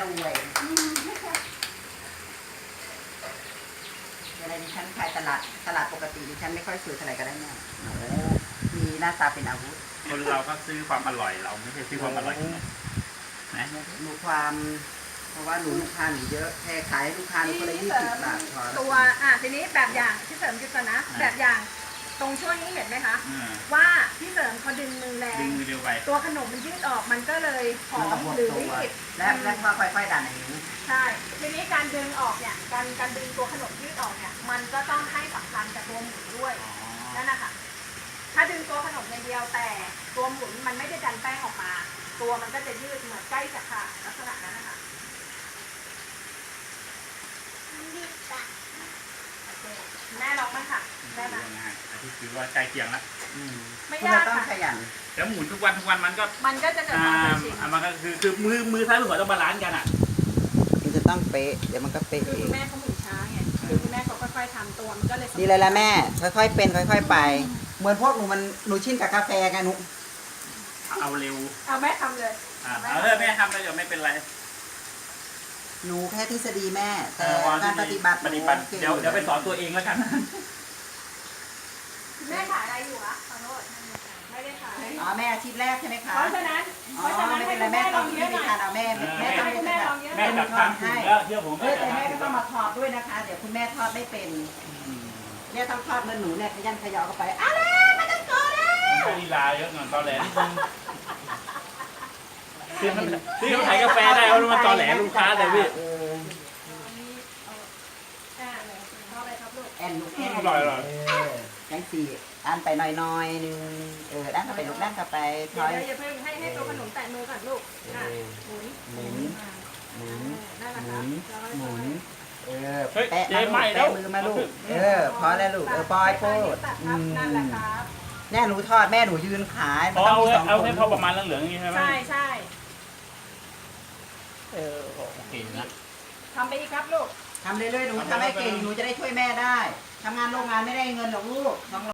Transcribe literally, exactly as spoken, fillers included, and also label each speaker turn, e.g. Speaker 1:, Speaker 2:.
Speaker 1: รวยเวลาดิฉันขายตลาดตลาดปกติดิฉันไม่ค่อยซื้อเท่าไหร่ก็ได้แม่มีหน้าตาเป็นอาวุธ
Speaker 2: คนเราก็ซื้อความอร่อยเราไม่ใช่ซื้อความอร่อยนะ
Speaker 1: หนูความเพราะว่าหนูลูกค้าหนูเยอะแค่ขายให้ลูกค้าหนูก็เลยยี่สิบบาทพอ
Speaker 3: ตัวอ่ะทีนี้แบบอย่างที่เสริมจุดก่อนนะแบบอย่างตรงช่วงนี้เห็นไหมคะว่าพี่เสริมเขาดึงมือแรงตัวขนมมันยืดออกมันก็เลยหอมหรือรีบ
Speaker 1: และและพอค่อยๆดันอย่างนี้
Speaker 3: ใช่ทีนี้การดึงออกเนี่ยการการดึงตัวขนมยืดออกเนี่ยมันก็ต้องให้สำคัญกับตัวหมุนด้วยนั่นนะคะถ้าดึงตัวขนมอย่างเดียวแต่ตัวหมุนมันไม่ได้ดันแป้งออกมาตัวมันก็จะยืดเหมือนใกล้จะขาดลักษณะนั้นนะคะแม่ลองมั้งค่ะแม่มา
Speaker 2: อันที่คือว่าใกล้เคียงแล้ว
Speaker 3: ไม่ยากค่ะ
Speaker 1: ขยัน
Speaker 2: แล้วหมุนทุกวันทุกวันมันก็
Speaker 3: มันก็จะเกิดความเคยชิน
Speaker 2: มันก็คือคือมือมือซ้ายมือขวาต้องบาลานซ์กันอ่ะ
Speaker 1: มันจะต้องเป๊ะเดี๋ยวมันก็เป๊ะ
Speaker 3: คือคุณแม่เขาหมุนช้าไงคือคุณแม่เขาค่อยๆทำตัวมันก็เลย
Speaker 1: ดีเลยละแม่ค่อยๆเป็นค่อยๆไปเหมือนพวกหนูมันหนูชินกับกาแฟไงหนู
Speaker 2: เอาเร็ว
Speaker 3: เอาแม่ทำเลย
Speaker 2: เอาเลยแม่ทำเลยเดี๋ยวไม่เป็นไร
Speaker 1: หนูแค่ทฤษฎีแม่แต่การปฏิบัติ
Speaker 2: ปฏิบัติเดี๋ยวเดี๋ยวไปสอนตัวเองแล้วกัน
Speaker 3: แม่ขายอะไรอยู่อะขอโทษไม่ได้ขาย
Speaker 1: อ๋อแม่อาชีพแรกใช่ไหมคะ
Speaker 3: เพราะฉะนั้นเพราะฉะนั้นให้
Speaker 1: แม่
Speaker 3: ลองเยอะหน่อย
Speaker 1: เอาแม่แม่
Speaker 3: ให้คุณแม่ลองเยอะ
Speaker 2: แม่จับทางถูกแล้วเชื่อผม
Speaker 1: แต่แม่ก็ต้องมาทอดด้วยนะคะเดี๋ยวคุณแม่ทอดไม่เป็นเนี่ยต้องทอดเมื่อหนูเนี่ยขยันขยอเข้าไปอะไรไม่ต้องโกรธเลย
Speaker 2: ใช้ลีลาเยอะหน่อยตอนแหลนิดนึงที่มันที่เขาขายกาแฟได้เขามาตอนแหลลูกค้าแต่พี่
Speaker 1: แอนลูกแอน
Speaker 2: อร่อยอร่อย
Speaker 1: ยังสี่อันไปหน่อยๆนึงเออด้านเข้าไปลูกด้านเข้าไป
Speaker 3: ถอยอย่าเพิ่งให้ให้ตัวขนมแตะมือก่อนลูกหมุน
Speaker 1: หมุนหมุนหมุนหมุนเออ
Speaker 2: แตะมา
Speaker 1: แตะมือมาลูกเออพอแล้วลูกเออปล่อยโคตร
Speaker 3: นั่นแหละครับ
Speaker 1: แม่หนูทอดแม่หนูยืนขาย
Speaker 2: มันต้องมีสองคนเอาแค่พอประมาณเหลืองๆอย่างนี้ใช่ไหม
Speaker 3: ใช่ใช่
Speaker 1: เออ
Speaker 2: โอเคนะ
Speaker 3: ทำไปอีกครับลูก
Speaker 1: ทำเรื่อยๆหนูทำให้เก่งหนูจะได้ช่วยแม่ได้ทำงานโรงงานไม่ได้เงินหรอกลูก